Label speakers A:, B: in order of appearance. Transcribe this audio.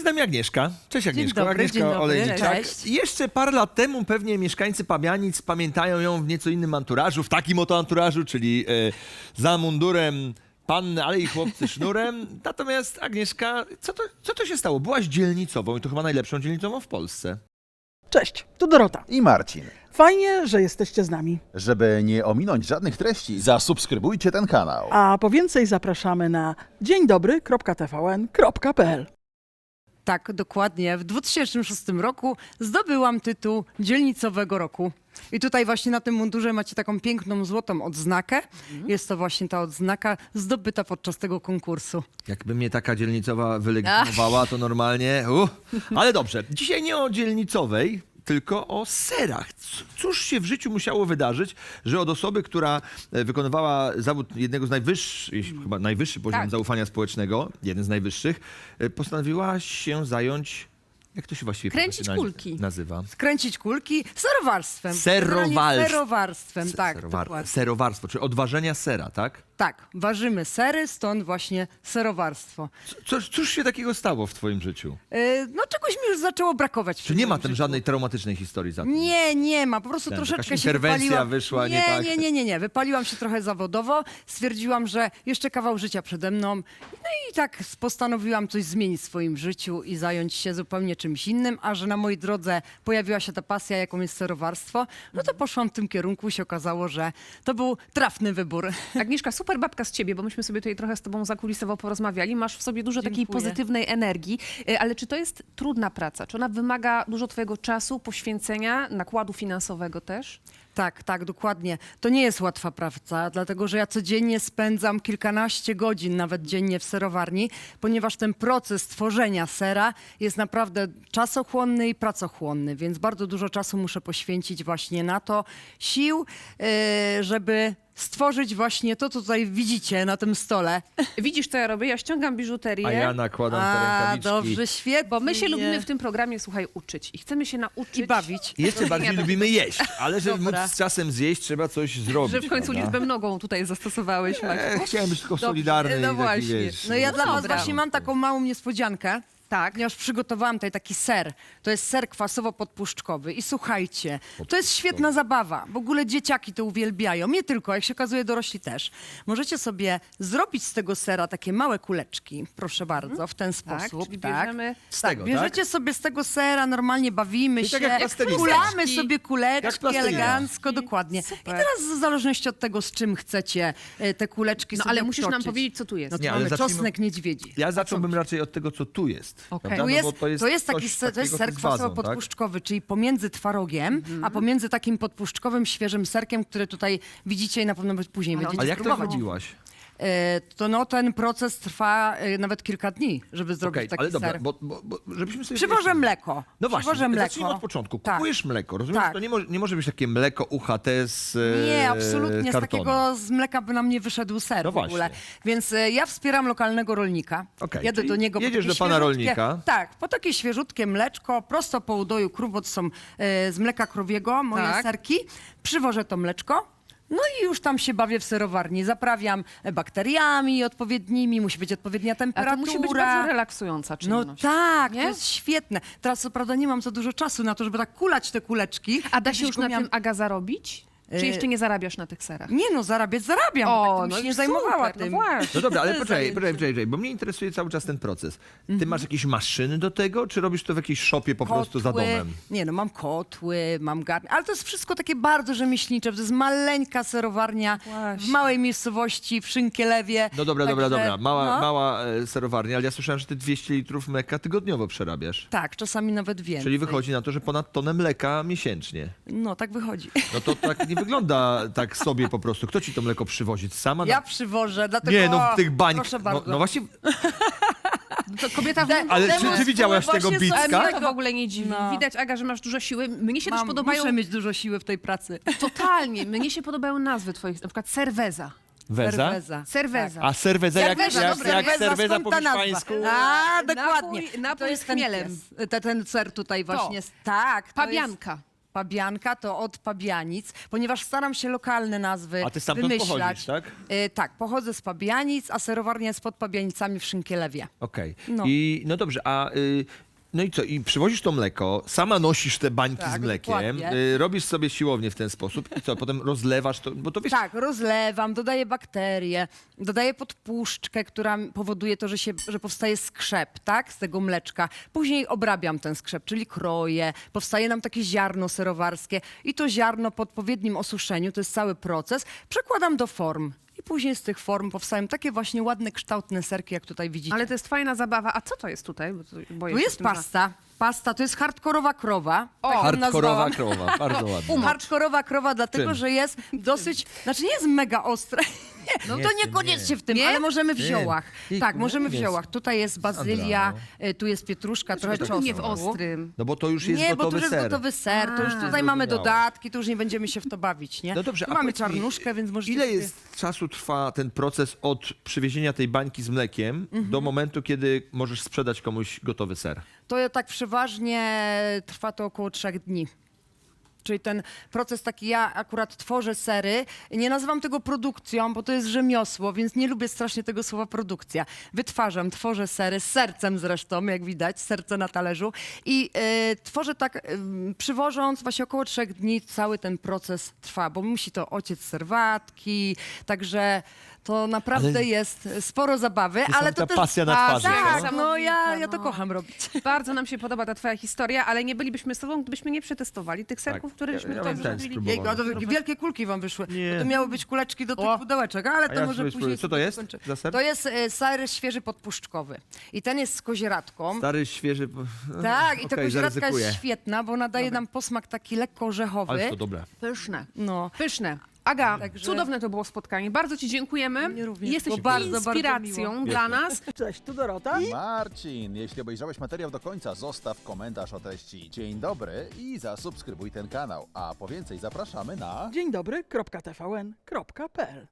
A: nami Agnieszka. Cześć Agnieszko.
B: Dobry,
A: Agnieszka Olejniczak.
B: cześć.
A: Jeszcze parę lat temu pewnie mieszkańcy Pabianic pamiętają ją w nieco innym anturażu, w takim oto anturażu, czyli za mundurem panny, ale i chłopcy sznurem. Natomiast Agnieszka, co to się stało? Byłaś dzielnicową i to chyba najlepszą dzielnicową w Polsce.
C: Cześć, tu Dorota.
D: I Marcin.
C: Fajnie, że jesteście z nami.
D: Żeby nie ominąć żadnych treści, zasubskrybujcie ten kanał.
C: A po więcej zapraszamy na dzieńdobry.tvn.pl.
B: Tak, dokładnie. W 2006 roku zdobyłam tytuł Dzielnicowego Roku. I tutaj właśnie na tym mundurze macie taką piękną złotą odznakę. Jest to właśnie ta odznaka zdobyta podczas tego konkursu.
A: Jakby mnie taka dzielnicowa wylegitymowała, to normalnie... Ale dobrze, dzisiaj nie o dzielnicowej, tylko o serach. Cóż się w życiu musiało wydarzyć, że od osoby, która wykonywała zawód jednego z najwyższych, chyba najwyższy poziom zaufania społecznego, jeden z najwyższych, postanowiła się zająć... Jak to się właściwie
E: Kręcić kulki.
A: nazywa?
B: Kręcić kulki serowarstwem.
A: Serowarstwem.
B: Tak, dokładnie.
A: Serowarstwo, czyli odważenia sera, tak?
B: Tak, ważymy sery, stąd właśnie serowarstwo.
A: Cóż się takiego stało w twoim życiu?
B: No czegoś mi już zaczęło brakować.
A: Czy nie ma tam żadnej traumatycznej historii za tym?
B: Nie ma. Po prostu troszeczkę
A: jakaś
B: się
A: interwencja
B: wypaliłam.
A: wyszła nie tak?
B: Nie. Wypaliłam się trochę zawodowo. Stwierdziłam, że jeszcze kawał życia przede mną. No i tak postanowiłam coś zmienić w swoim życiu i zająć się zupełnie czymś innym. A że na mojej drodze pojawiła się ta pasja, jaką jest serowarstwo, no to poszłam w tym kierunku i się okazało, że to był trafny wybór.
E: Agnieszka, super babka z ciebie, bo myśmy sobie tutaj trochę z tobą zakulisowo porozmawiali. Masz w sobie dużo takiej
B: Dziękuję.
E: pozytywnej energii, ale czy to jest trudna praca? Czy ona wymaga dużo twojego czasu, poświęcenia, nakładu finansowego też?
B: Tak, dokładnie. To nie jest łatwa praca, dlatego że ja codziennie spędzam kilkanaście godzin, nawet dziennie w serowarni, ponieważ ten proces tworzenia sera jest naprawdę czasochłonny i pracochłonny, więc bardzo dużo czasu muszę poświęcić właśnie na to, sił, żeby stworzyć właśnie to, co tutaj widzicie na tym stole.
E: Widzisz, co ja robię? Ja ściągam biżuterię.
A: A ja nakładam te rękawiczki.
B: Dobrze, świetnie.
E: Bo my się lubimy w tym programie, słuchaj, uczyć. I chcemy się nauczyć.
B: I bawić.
A: I jeszcze bardziej lubimy jeść, ale żeby
B: Dobra.
A: móc z czasem zjeść, trzeba coś zrobić.
E: Że w końcu
A: prawda?
E: liczbę nogą tutaj zastosowałeś, Maciek.
A: Chciałem być tylko
E: Dobrze,
A: solidarny
E: no
A: i taki,
E: właśnie.
A: wiesz,
B: No ja dla was
E: Dobra.
B: właśnie mam taką małą niespodziankę.
E: Tak.
B: Ponieważ przygotowałam tutaj taki ser. To jest ser kwasowo-podpuszczkowy. I słuchajcie, to jest świetna zabawa. W ogóle dzieciaki to uwielbiają. Nie tylko, jak się okazuje, dorośli też. Możecie sobie zrobić z tego sera takie małe kuleczki. Proszę bardzo, w ten
E: Tak,
B: sposób.
E: czyli bierzemy...
A: Z tego,
B: Bierzecie sobie z tego sera, normalnie bawimy
A: Czyli
B: się,
A: tak jak plastelina.
B: kulamy sobie
A: Jak
B: kuleczki
A: plastelina.
B: elegancko, dokładnie.
E: Super.
B: I teraz w zależności od tego, z czym chcecie te kuleczki
E: No
B: sobie
E: ale musisz nam
B: obtoczyć.
E: powiedzieć, co tu jest.
B: No to
A: Nie, ale
B: mamy
A: zacznijmy-
B: czosnek niedźwiedzi.
A: Ja zacząłbym raczej od tego, co tu jest.
E: Okej.
A: prawda?
B: Tu
A: No bo
B: to jest taki
A: coś
B: to jest
A: takiego
B: ser
A: z wazą,
B: kwasowo-podpuszczkowy, czyli pomiędzy twarogiem, a pomiędzy takim podpuszczkowym, świeżym serkiem, który tutaj widzicie i na pewno później będziecie
A: Ale jak to
B: spróbować.
A: chodziłaś?
B: Ten proces trwa nawet kilka dni, żeby zrobić
A: Okej,
B: taki
A: ale dobra,
B: ser.
A: bo żebyśmy sobie...
B: Przywożę
A: wyjaśnili.
B: mleko.
A: No właśnie,
B: Przywożę mleko.
A: zacznijmy od początku.
B: Tak.
A: Kupujesz mleko, rozumiesz?
B: Tak.
A: To nie może być takie mleko UHT z
B: Nie, absolutnie. Z
A: kartonu.
B: takiego z mleka by nam nie wyszedł ser
A: No
B: w ogóle.
A: właśnie.
B: Więc ja wspieram lokalnego rolnika.
A: Okej,
B: Jadę
A: czyli
B: do niego
A: jedziesz
B: po takie
A: do pana
B: świeżutkie-
A: rolnika.
B: Tak, po takie świeżutkie mleczko, prosto po udoju krów, bo to są z mleka krowiego, moje
E: Tak.
B: serki. Przywożę to mleczko. No i już tam się bawię w serowarni. Zaprawiam bakteriami odpowiednimi, musi być odpowiednia
E: A
B: temperatura.
E: to musi być bardzo relaksująca
B: No
E: czynność.
B: tak,
E: Nie?
B: to jest świetne. Teraz co prawda nie mam za dużo czasu na to, żeby tak kulać te kuleczki.
E: A da się
B: Kiedyś
E: już
B: go
E: na
B: miałam-
E: tym, Aga, zarobić? Czy jeszcze nie zarabiasz na tych serach?
B: Nie no, zarabiam, bo tak to bym się nie zajmowała
E: super,
B: tym.
E: No właśnie.
A: No dobra, ale
B: Zajęcie.
A: poczekaj, bo mnie interesuje cały czas ten proces. Ty masz jakieś maszyny do tego, czy robisz to w jakiejś szopie po prostu za domem?
B: Nie no, mam kotły, mam garnek, ale to jest wszystko takie bardzo rzemieślnicze, to jest maleńka serowarnia w
E: Właśnie.
B: małej miejscowości, w Szynkielewie.
A: No dobra,
B: Także,
A: mała serowarnia, ale ja słyszałem, że ty 200 litrów mleka tygodniowo przerabiasz.
B: Tak, czasami nawet więcej.
A: Czyli wychodzi na to, że ponad tonę mleka miesięcznie.
B: No, tak wychodzi.
A: No to tak nie wygląda tak sobie po prostu. Kto ci to mleko przywozi? Sama?
B: Ja przywożę, dlatego...
A: Nie, no w tych bańkach.
B: Proszę
A: No,
B: bardzo.
A: no właśnie,
E: To kobieta w
A: ale
B: Demonstruję
A: czy widziałaś tego
B: właśnie
A: bicka?
B: sobie
E: mnie to w ogóle nie dziwi.
B: No.
E: Widać, Aga, że masz dużo siły. Mnie się też podobają...
B: Muszę mieć dużo siły w tej pracy.
E: Totalnie. Mnie się podobają nazwy twoich, na przykład Cerveza.
A: Weza?
B: Cerveza.
E: Cerveza.
A: A serweza jak
B: Cerveza,
A: serweza
B: skąd
A: po
B: ta nazwa?
A: hiszpańsku?
B: A, dokładnie.
E: Napój
B: to jest
E: z chmielem.
B: ten ser tutaj właśnie. Tak. To jest
E: Pabianka.
B: Pabianka to od Pabianic, ponieważ staram się lokalne nazwy
A: A ty stamtąd
B: wymyślać.
A: pochodzisz, tak?
B: Tak, pochodzę z Pabianic, a serowarnia jest pod Pabianicami w Szynkielewie.
A: Okej.
B: No.
A: No dobrze, no i co? I przywozisz to mleko, sama nosisz te bańki
B: Tak,
A: z mlekiem,
B: dokładnie.
A: robisz sobie siłownię w ten sposób i co? Potem rozlewasz to, bo to wiesz...
B: Tak, rozlewam, dodaję bakterie, dodaję podpuszczkę, która powoduje to, że powstaje skrzep, tak, z tego mleczka. Później obrabiam ten skrzep, czyli kroję, powstaje nam takie ziarno serowarskie i to ziarno po odpowiednim osuszeniu, to jest cały proces, przekładam do form. I później z tych form powstają takie właśnie ładne, kształtne serki, jak tutaj widzicie.
E: Ale to jest fajna zabawa. A co to jest tutaj? Bo boję
B: Tu
E: się
B: jest
E: tym, że-
B: pasta. Pasta to jest hardkorowa krowa.
E: O,
B: tak ją
A: Hardkorowa
B: nazwałam.
A: krowa, bardzo ładnie.
B: Hardkorowa krowa, dlatego
A: Czym?
B: że jest dosyć, znaczy nie jest mega ostra. Nie, no
A: Nie,
B: to
A: w tym
B: niekoniecznie w tym,
E: Nie?
B: ale możemy w
A: Nie.
B: ziołach.
A: Nie,
B: Tak,
A: no
B: możemy w
A: jest.
B: ziołach. Tutaj jest bazylia, tu jest pietruszka, trochę
E: Dlaczego
B: czosnku.
E: nie w ostrym?
A: No bo to już jest
B: Nie, bo tu
A: gotowy
B: już jest
A: ser.
B: gotowy ser, to już tutaj mamy
A: zrozumiałe.
B: dodatki, to już nie będziemy się w to bawić, nie?
A: No dobrze,
B: tu
A: a
B: mamy
A: powiedz mi,
B: czarnuszkę, więc możecie
A: ile
B: sobie...
A: jest czasu trwa ten proces od przywiezienia tej bańki z mlekiem do momentu, kiedy możesz sprzedać komuś gotowy ser?
B: To tak przeważnie trwa to około 3 dni. Czyli ten proces taki, ja akurat tworzę sery, nie nazywam tego produkcją, bo to jest rzemiosło, więc nie lubię strasznie tego słowa produkcja. Wytwarzam, tworzę sery, z sercem zresztą, jak widać, serce na talerzu i tworzę tak, przywożąc właśnie około 3 dni cały ten proces trwa, bo musi to ociec serwatki, także to naprawdę
A: Ale-
B: jest sporo zabawy, ale to
A: Niesamowita
B: też...
A: pasja na twarzy,
B: Tak,
E: no.
B: no ja to
E: No.
B: kocham robić.
E: Bardzo nam się podoba ta twoja historia, ale nie bylibyśmy z tobą, gdybyśmy nie przetestowali tych serków, które
A: Ja
E: żeśmy
A: bym
E: tutaj
A: ten
E: zrobili.
A: spróbował.
B: Jejku, a to wielkie kulki wam wyszły.
A: Nie.
B: Bo to miały być kuleczki do tych
C: O.
B: pudełeczek, ale
A: A
B: to
A: ja
B: może
A: spróbuję,
B: później...
A: co to jest
B: skończę.
A: za ser?
B: To jest ser świeży podpuszczkowy. I ten jest z kozieradką.
A: Stary, świeży...
B: Tak, i ta
A: Okej,
B: kozieradka
A: zaryzykuję.
B: jest świetna, bo nadaje nam posmak taki lekko orzechowy.
A: Ale to dobre.
E: Pyszne.
B: No.
E: Pyszne. Aga,
B: Także-
E: cudowne to było spotkanie. Bardzo ci dziękujemy.
B: Mnie również.
E: Jesteś
B: Było bardzo, bardzo
E: inspiracją
B: miło.
E: dla nas.
C: Cześć, tu Dorota.
D: Marcin, jeśli obejrzałeś materiał do końca, zostaw komentarz o treści dzień dobry i zasubskrybuj ten kanał. A po więcej zapraszamy na...
C: Dzień dobry, .tvn.pl